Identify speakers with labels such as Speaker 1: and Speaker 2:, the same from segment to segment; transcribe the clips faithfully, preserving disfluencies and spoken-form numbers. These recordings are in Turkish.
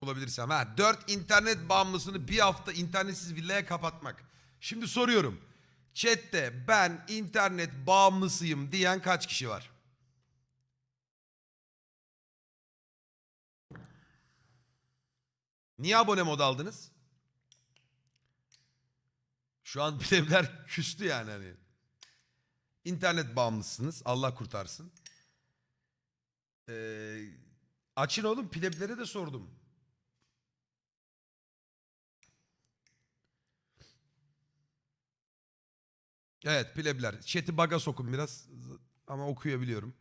Speaker 1: Bulabilirsem. Ha, dört internet bağımlısını bir hafta internetsiz villaya kapatmak. Şimdi soruyorum. Chat'te ben internet bağımlısıyım diyen kaç kişi var? Niye abone mod aldınız? Şu an plebler küstü yani hani. İnternet bağımlısınız. Allah kurtarsın. Ee, açın oğlum, pleblere de sordum. Evet, plebler. Chat'i bug'a sokun biraz ama okuyabiliyorum.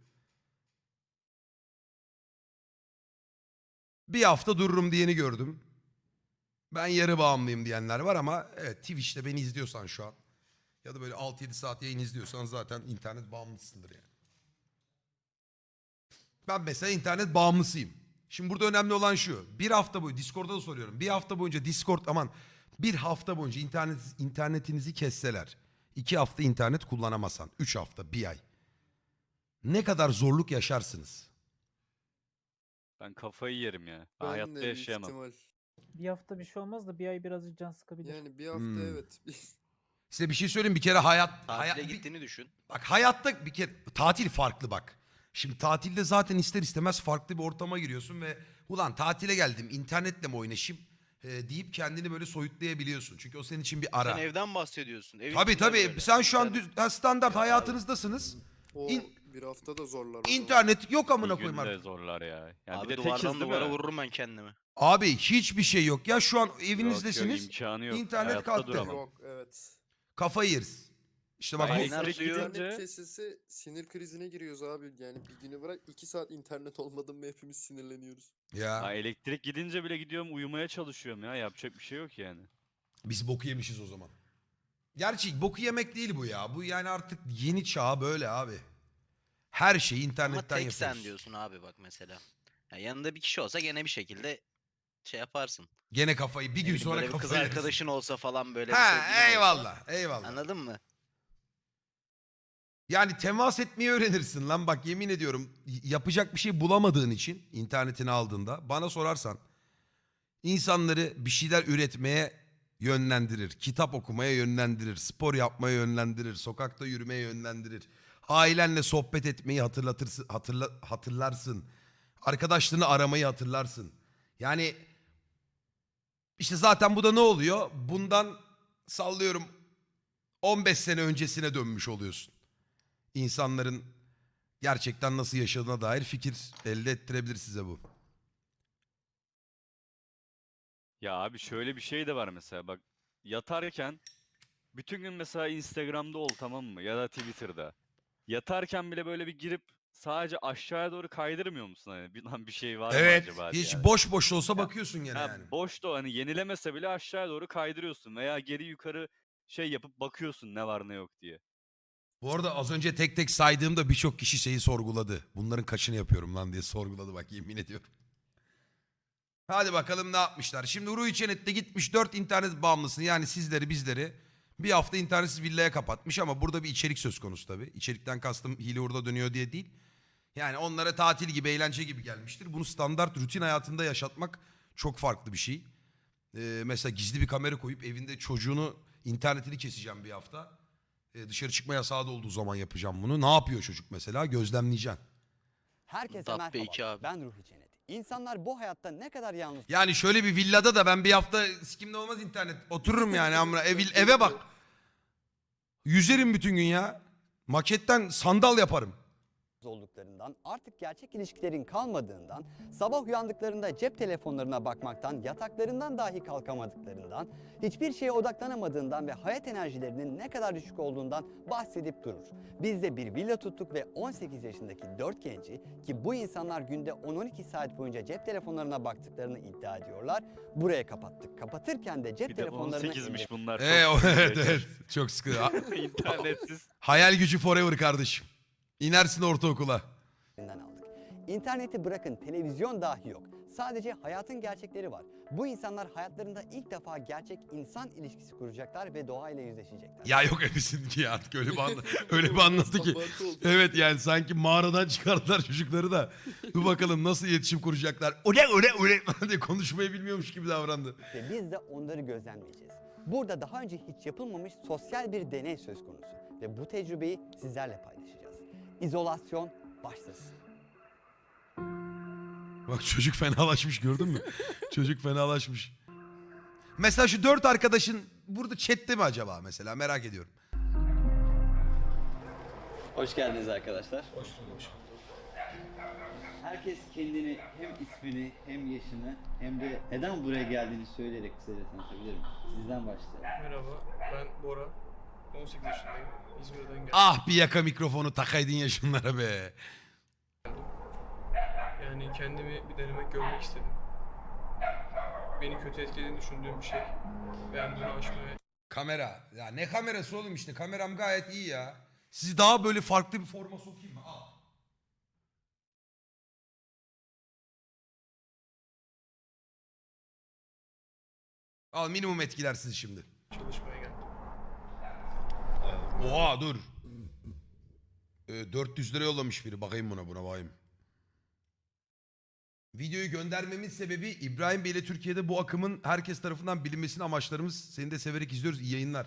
Speaker 1: Bir hafta dururum diyeni gördüm. Ben yarı bağımlıyım diyenler var ama evet, Twitch'te beni izliyorsan şu an ya da böyle altı yedi saat yayın izliyorsan zaten internet bağımlısındır yani. Ben mesela internet bağımlısıyım. Şimdi burada önemli olan şu. Bir hafta boyu Discord'da da soruyorum. Bir hafta boyunca Discord aman bir hafta boyunca internet, internetinizi kesseler. iki hafta internet kullanamasan. Üç hafta, bir ay. Ne kadar zorluk yaşarsınız?
Speaker 2: Ben kafayı yerim ya. Ben
Speaker 3: Ben
Speaker 2: hayatta
Speaker 3: de büyük
Speaker 2: yaşayamam.
Speaker 3: ihtimal.
Speaker 4: Bir hafta bir şey olmaz da bir ay birazcık can sıkabilir.
Speaker 3: Yani bir hafta
Speaker 1: Hmm.
Speaker 3: evet.
Speaker 1: Size bir şey söyleyeyim, bir kere hayat... hayat
Speaker 5: Tatile
Speaker 1: bir-
Speaker 5: gittiğini düşün.
Speaker 1: Bak hayatta bir kere tatil farklı bak. Şimdi tatilde zaten ister istemez farklı bir ortama giriyorsun ve ulan tatile geldim internetle mi oynaşayım e, deyip kendini böyle soyutlayabiliyorsun. Çünkü o senin için bir ara.
Speaker 5: Sen evden bahsediyorsun. Evin
Speaker 1: Tabii
Speaker 5: içinden
Speaker 1: tabii
Speaker 5: böyle.
Speaker 1: sen şu an
Speaker 5: İnternet-
Speaker 1: düz, ha, standart
Speaker 5: Ya
Speaker 1: hayatınızdasınız.
Speaker 3: O
Speaker 1: İn-
Speaker 3: bir hafta da zorlar o zaman.
Speaker 1: İnternet yok amına
Speaker 2: Bir
Speaker 1: koyayım
Speaker 2: günde
Speaker 1: artık.
Speaker 2: zorlar ya. Yani
Speaker 5: Abi
Speaker 2: bir de
Speaker 5: duvardan
Speaker 2: tekiz değil
Speaker 5: duvara
Speaker 2: mi?
Speaker 5: vururum ben kendimi.
Speaker 1: Abi hiçbir şey yok ya, şu an
Speaker 2: Yok,
Speaker 1: evinizdesiniz.
Speaker 2: yok, imkanı yok.
Speaker 1: İnternet
Speaker 2: Hayatta
Speaker 1: kalktı.
Speaker 2: duramam.
Speaker 3: Yok evet.
Speaker 1: Kafayı yeriz. İşte bak
Speaker 2: Ben
Speaker 1: bu,
Speaker 5: Aynen
Speaker 2: elektrik
Speaker 5: suyu-
Speaker 2: gidince
Speaker 3: İnternet kesilse sinir krizine giriyoruz abi. Yani bir günü bırak iki saat internet olmadı mı hepimiz sinirleniyoruz.
Speaker 1: ya
Speaker 2: ha, elektrik gidince bile gidiyorum uyumaya çalışıyorum ya. Yapacak bir şey yok yani.
Speaker 1: biz boku yemişiz o zaman. Gerçi boku yemek değil bu ya. Bu yani artık yeni çağ böyle abi. Her şeyi
Speaker 5: Ama
Speaker 1: internetten
Speaker 5: tek
Speaker 1: yapıyoruz.
Speaker 5: sen diyorsun abi bak mesela. Ya yanında bir kişi olsa gene bir şekilde şey yaparsın.
Speaker 1: Gene kafayı bir
Speaker 5: Ne
Speaker 1: gün
Speaker 5: bileyim,
Speaker 1: sonra
Speaker 5: böyle bir kız
Speaker 1: kafayı yeriz.
Speaker 5: arkadaşın olsa falan böyle bir
Speaker 1: Ha
Speaker 5: sevgilin olsa.
Speaker 1: eyvallah eyvallah.
Speaker 5: Anladın mı?
Speaker 1: Yani temas etmeyi öğrenirsin lan, bak yemin ediyorum y- yapacak bir şey bulamadığın için internetini aldığında bana sorarsan insanları bir şeyler üretmeye yönlendirir, kitap okumaya yönlendirir, spor yapmaya yönlendirir, sokakta yürümeye yönlendirir. Ailenle sohbet etmeyi hatırlatırsın, hatırla, hatırlarsın. Arkadaşlarını aramayı hatırlarsın. Yani işte zaten bu da ne oluyor? Bundan sallıyorum on beş sene öncesine dönmüş oluyorsun. İnsanların gerçekten nasıl yaşadığına dair fikir elde ettirebilir size bu.
Speaker 2: Ya abi şöyle bir şey de var mesela bak. Yatarken bütün gün mesela Instagram'da ol, tamam mı? Ya da Twitter'da. Yatarken bile böyle bir girip sadece aşağıya doğru kaydırmıyor musun hani? Bir, lan bir şey var mı
Speaker 1: Evet,
Speaker 2: acaba
Speaker 1: hiç
Speaker 2: diye.
Speaker 1: boş boş olsa bakıyorsun gene
Speaker 2: Ha,
Speaker 1: yani.
Speaker 2: boş da o, hani yenilemese bile aşağıya doğru kaydırıyorsun veya geri yukarı şey yapıp bakıyorsun ne var ne yok diye.
Speaker 1: Bu arada az önce tek tek saydığımda birçok kişi şeyi sorguladı. Bunların kaçını yapıyorum lan diye sorguladı bak, yemin ediyorum. Hadi bakalım ne yapmışlar. Şimdi Ruhi Çenet de gitmiş dört internet bağımlısını, yani sizleri bizleri bir hafta internetsiz villaya kapatmış ama burada bir içerik söz konusu tabii. İçerikten kastım hile hurda dönüyor diye değil. Yani onlara tatil gibi, eğlence gibi gelmiştir. Bunu standart rutin hayatında yaşatmak çok farklı bir şey. Ee, mesela gizli bir kamera koyup evinde çocuğunu internetini keseceğim bir hafta. Ee, dışarı çıkma yasağı da olduğu zaman yapacağım bunu. Ne yapıyor çocuk mesela? Gözlemleyeceksin.
Speaker 6: Herkese
Speaker 5: Dabbe
Speaker 6: merhaba.
Speaker 5: iki abi.
Speaker 6: Ben Ruhi Cennet. İnsanlar bu hayatta ne kadar yalnız
Speaker 1: Yani şöyle bir villada da ben bir hafta sikimde olmaz internet. Otururum yani amına. Ev, eve bak. Yüzerim bütün gün ya. Maketten sandal yaparım.
Speaker 6: olduklarından, artık gerçek ilişkilerin kalmadığından, sabah uyandıklarında cep telefonlarına bakmaktan, yataklarından dahi kalkamadıklarından, hiçbir şeye odaklanamadığından ve hayat enerjilerinin ne kadar düşük olduğundan bahsedip durur. Biz de bir villa tuttuk ve on sekiz yaşındaki dört genci, ki bu insanlar günde on on iki saat boyunca cep telefonlarına baktıklarını iddia ediyorlar, buraya kapattık. Kapatırken de cep
Speaker 2: Bir de
Speaker 6: telefonlarını
Speaker 2: on sekizmiş bunlar.
Speaker 1: Ee, o-
Speaker 2: çok sıkıntı
Speaker 1: evet
Speaker 2: yaşar.
Speaker 1: evet. Çok sıkı. Ha-
Speaker 2: İnternetsiz.
Speaker 1: Hayal gücü forever kardeşim. İnersin ortaokula.
Speaker 6: elinden aldık. İnterneti bırakın, televizyon dahi yok. Sadece hayatın gerçekleri var. Bu insanlar hayatlarında ilk defa gerçek insan ilişkisi kuracaklar ve doğayla yüzleşecekler.
Speaker 1: Ya yok hepsinin ki ya artık öyle bir, anla- öyle bir anlattı ki.
Speaker 3: Abartı oldu.
Speaker 1: Evet yani sanki mağaradan çıkardılar çocukları da. Dur bakalım nasıl iletişim kuracaklar. Öyle öyle öyle falan diye konuşmayı bilmiyormuş gibi davrandı.
Speaker 6: Ve biz de onları gözlemleyeceğiz. Burada daha önce hiç yapılmamış sosyal bir deney söz konusu. Ve bu tecrübeyi sizlerle paylaşacağız. İzolasyon başlasın.
Speaker 1: Bak çocuk fenalaşmış gördün mü? Çocuk fenalaşmış. Mesela şu dört arkadaşın burada chatte mi acaba mesela merak ediyorum.
Speaker 7: Hoş geldiniz arkadaşlar. Hoş bulduk. Herkes kendini hem ismini hem yaşını hem de neden buraya geldiğini söyleyerek kısaca tanıtabilir mi? Sizden başlayalım.
Speaker 8: Merhaba, ben Bora. on sekiz yaşındayım. İzmir'den geldim.
Speaker 1: Ah bir yaka mikrofonu takaydın ya şunlara be.
Speaker 8: Yani kendimi bir denemek, görmek istedim. Beni kötü etkilediğini düşündüğüm bir şey. Ben bunu aşmaya
Speaker 1: Kamera. Ya ne kamerası oğlum işte kameram gayet iyi ya. Sizi daha böyle farklı bir forma sokayım mı? Al. Al minimum etkiler sizi şimdi.
Speaker 8: çalışmaya geldim.
Speaker 1: Oha dur. Ee, dört yüz lira yollamış biri. Bakayım buna buna bakayım. Videoyu göndermemin sebebi İbrahim Bey ile Türkiye'de bu akımın herkes tarafından bilinmesini amaçlarımız. Seni de severek izliyoruz. İyi yayınlar.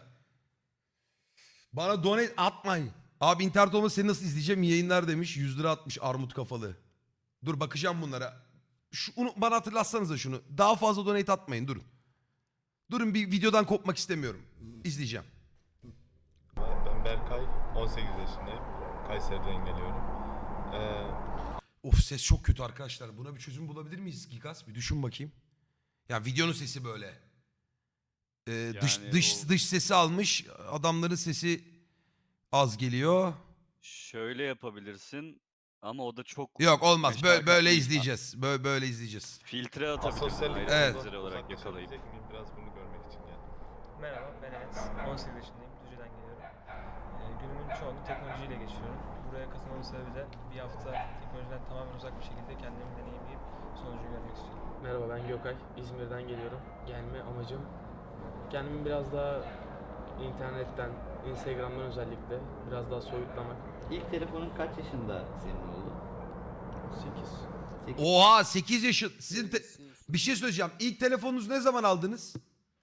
Speaker 1: Bana donate atmayın. Abi internet olmasa seni nasıl izleyeceğim? İyi yayınlar demiş. yüz lira atmış armut kafalı. Dur bakacağım bunlara. Şunu, bana hatırlatsanıza şunu. Daha fazla donate atmayın durun. Durun bir videodan kopmak istemiyorum. İzleyeceğim.
Speaker 9: Ben Berkay, on sekiz yaşındayım. Kayseri'den geliyorum. Ee,
Speaker 1: Of ses çok kötü arkadaşlar. Buna bir çözüm bulabilir miyiz Gigas? Bir düşün bakayım. Ya videonun sesi böyle. Ee, dış
Speaker 2: Yani
Speaker 1: dış
Speaker 2: o-
Speaker 1: dış sesi almış. Adamların sesi az geliyor.
Speaker 2: Şöyle yapabilirsin ama o da çok
Speaker 1: Yok olmaz. Böyle,
Speaker 2: meşakkatli
Speaker 1: böyle
Speaker 2: bir-
Speaker 1: izleyeceğiz. Böyle böyle izleyeceğiz.
Speaker 2: Filtre atabilirsin
Speaker 9: asosyallik
Speaker 2: ayrı
Speaker 1: Evet.
Speaker 2: filtre olarak yakalayıp.
Speaker 9: uzaklaşabilecek miyim? Biraz bunu görmek için geldim.
Speaker 10: Merhaba, ben Enes. on sekiz yaşındayım, Düzce'den geliyorum. Ee, günümün çoğunu teknolojiyle geçiriyorum. Buraya katılmamın sebebi de bir hafta teknolojiden tamamen uzak bir şekilde kendimi deneyimleyip sonucu görmek istiyorum.
Speaker 11: Merhaba ben Gökay. İzmir'den geliyorum. Gelme amacım kendimi biraz daha internetten, Instagram'dan özellikle biraz daha soyutlamak.
Speaker 7: İlk telefonun kaç yaşında senin oldu?
Speaker 11: sekiz.
Speaker 7: sekiz.
Speaker 1: Oha sekiz yaşı. Sizin te-
Speaker 3: Sinir-
Speaker 1: bir şey söyleyeceğim. İlk telefonunuzu ne zaman aldınız?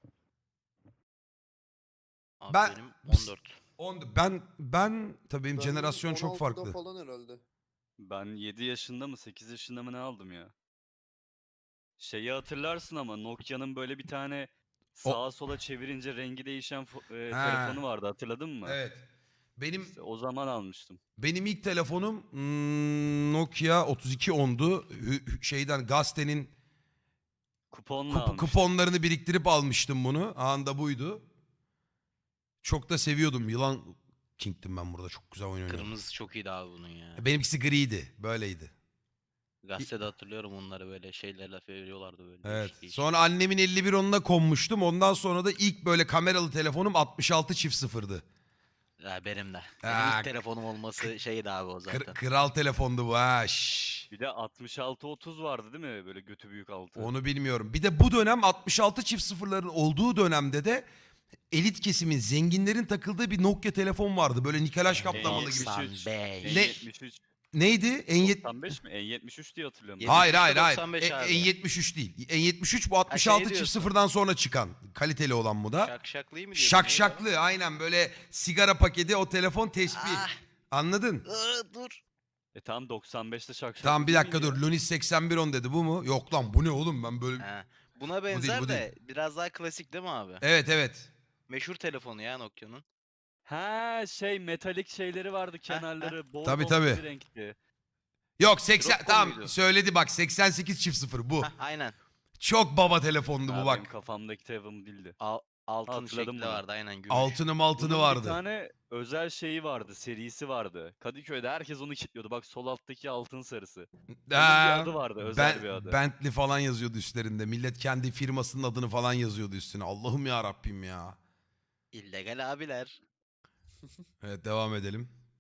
Speaker 5: Abi
Speaker 1: Ben-
Speaker 5: benim on dört.
Speaker 1: On, ben ben tabii benim
Speaker 3: Ben
Speaker 1: jenerasyon çok
Speaker 3: on altıda
Speaker 1: farklı.
Speaker 3: falan herhalde.
Speaker 2: Ben yedi yaşında mı sekiz yaşında mı ne aldım ya? Şeyi hatırlarsın ama Nokia'nın böyle bir tane sağa sola çevirince rengi değişen fo- e,
Speaker 1: Ha.
Speaker 2: telefonu vardı hatırladın mı?
Speaker 1: Evet. Benim
Speaker 2: İşte o zaman almıştım.
Speaker 1: benim ilk telefonum hmm, Nokia otuz iki ondu. Hü- hü- Şeyden gazetenin
Speaker 2: Kuponla
Speaker 1: kup-
Speaker 2: almıştım.
Speaker 1: kuponlarını biriktirip almıştım bunu. Anında buydu. Çok da seviyordum. Yılan King'tim ben burada. Çok güzel oyun oynuyordum.
Speaker 5: Kırmızı çok iyiydi abi bunun ya.
Speaker 1: Benimkisi griydi. Böyleydi.
Speaker 5: Gazetede hatırlıyorum onları böyle şeylerle veriyorlardı böyle.
Speaker 1: Evet.
Speaker 5: değişik değişik.
Speaker 1: Sonra annemin elli bir onuna konmuştum. Ondan sonra da ilk böyle kameralı telefonum altmış altı çift sıfırdı.
Speaker 5: Ya benim de. Benim
Speaker 1: Ha,
Speaker 5: ilk telefonum olması şeydi abi o
Speaker 1: Kır-
Speaker 5: zaten.
Speaker 1: kral telefondu bu ha. şşş.
Speaker 2: Bir de altmış altı otuz vardı değil mi? Böyle götü büyük altı.
Speaker 1: Onu bilmiyorum. Bir de bu dönem altmış altı çift sıfırların olduğu dönemde de elit kesimin, zenginlerin takıldığı bir Nokia telefon vardı. Böyle nikelaj kaplamalı gibi.
Speaker 2: doksan beş.
Speaker 5: doksan beş.
Speaker 2: N
Speaker 1: Ne-
Speaker 2: yetmiş üç.
Speaker 1: Neydi? En yet...
Speaker 2: doksan beş mi? N yetmiş üç diye hatırlıyorum.
Speaker 5: Yedi-
Speaker 1: Hayır hayır hayır.
Speaker 5: doksan beş
Speaker 1: E-
Speaker 5: abi.
Speaker 1: N yetmiş üç değil. N yetmiş üç bu altmış
Speaker 5: şey
Speaker 1: altı çift
Speaker 5: diyorsun.
Speaker 1: sıfırdan sonra çıkan. Kaliteli olan bu da.
Speaker 5: Şakşaklıyı mı diyorsun?
Speaker 1: Şak
Speaker 5: neydi o?
Speaker 1: şaklı aynen böyle sigara paketi o telefon tespih.
Speaker 5: Ah,
Speaker 1: Anladın?
Speaker 5: ıı, dur.
Speaker 2: E tamam doksan beşte şakşak.
Speaker 1: Tamam bir dakika dur. Lunis seksen bir on dedi bu mu? Yok lan bu ne oğlum ben böyle...
Speaker 5: Ha. Buna
Speaker 1: değil,
Speaker 5: benzer
Speaker 1: bu
Speaker 5: de biraz daha klasik değil mi abi?
Speaker 1: Evet evet.
Speaker 5: Meşhur telefonu ya Nokia'nın.
Speaker 2: Ha şey metalik şeyleri vardı kenarları. Bol
Speaker 1: Tabii,
Speaker 2: bol
Speaker 1: tabii.
Speaker 2: bir renkti.
Speaker 1: Yok seksen
Speaker 5: Dropcom
Speaker 1: tamam
Speaker 5: muydu?
Speaker 1: söyledi bak seksen sekiz çift sıfır bu.
Speaker 5: Hah, aynen.
Speaker 1: Çok baba telefondu
Speaker 2: Ha,
Speaker 1: bu
Speaker 2: benim
Speaker 1: bak.
Speaker 2: kafamdaki telefonum değildi.
Speaker 5: Al, altın
Speaker 2: Hatırladım
Speaker 5: şekli
Speaker 2: bunu.
Speaker 5: vardı aynen gümüş.
Speaker 1: Altını maltını
Speaker 2: Bunun
Speaker 1: vardı.
Speaker 2: bir tane özel şeyi vardı, serisi vardı. Kadıköy'de herkes onu kilitliyordu. Bak sol alttaki altın sarısı. Onun bir
Speaker 1: Ha,
Speaker 2: adı vardı, özel
Speaker 1: Ben-
Speaker 2: bir adı.
Speaker 1: Bentley falan yazıyordu üstlerinde. Millet kendi firmasının adını falan yazıyordu üstüne. Allah'ım ya Rabbim ya.
Speaker 5: İllegal abiler.
Speaker 1: Evet devam edelim.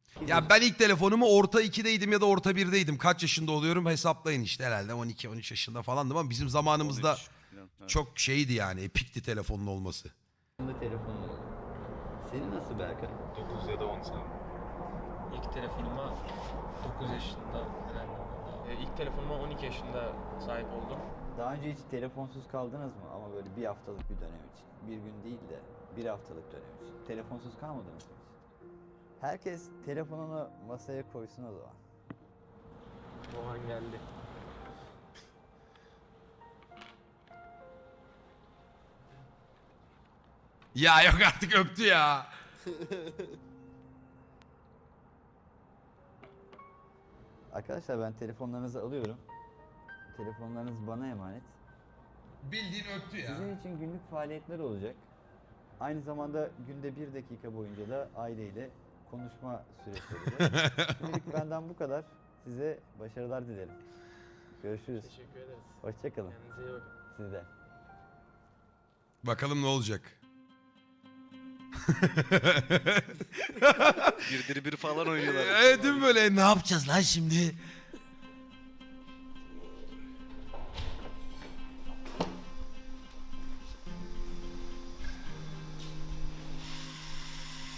Speaker 1: Ya ben ilk telefonumu orta ikideydim ya da orta birdeydim. Kaç yaşında oluyorum hesaplayın işte, herhalde on iki on üç yaşında falandım ama bizim zamanımızda
Speaker 2: on üç falan, evet.
Speaker 1: çok şeydi yani, epikti telefonun olması.
Speaker 7: telefonun oldu. Senin nasıl Berkay?
Speaker 9: dokuz ya da on sene.
Speaker 10: İlk telefonuma dokuz yaşında herhalde. E, ilk telefonuma on iki yaşında sahip oldum.
Speaker 7: Daha önce hiç telefonsuz kaldınız mı? Ama böyle bir haftalık bir dönem için. Bir gün değil de bir haftalık dönem için. Telefonsuz kalmadınız mı hiç? Herkes telefonunu masaya koysun o zaman.
Speaker 11: O an geldi.
Speaker 1: Ya yok artık, öptü ya.
Speaker 7: Arkadaşlar ben telefonlarınızı alıyorum. Telefonlarınız bana emanet.
Speaker 1: Bildiğin öptü ya.
Speaker 7: Sizin için günlük faaliyetler olacak. Aynı zamanda günde bir dakika boyunca da aileyle konuşma süresi olacak. Şimdilik benden bu kadar. Size başarılar dilerim. Görüşürüz.
Speaker 11: Teşekkür ederiz.
Speaker 7: Hoşçakalın.
Speaker 11: Kendinize iyi bakın.
Speaker 7: Siz de.
Speaker 1: Bakalım ne olacak.
Speaker 5: Birdir bir falan oynuyorlar.
Speaker 1: Evet değil mi böyle, ne yapacağız lan şimdi?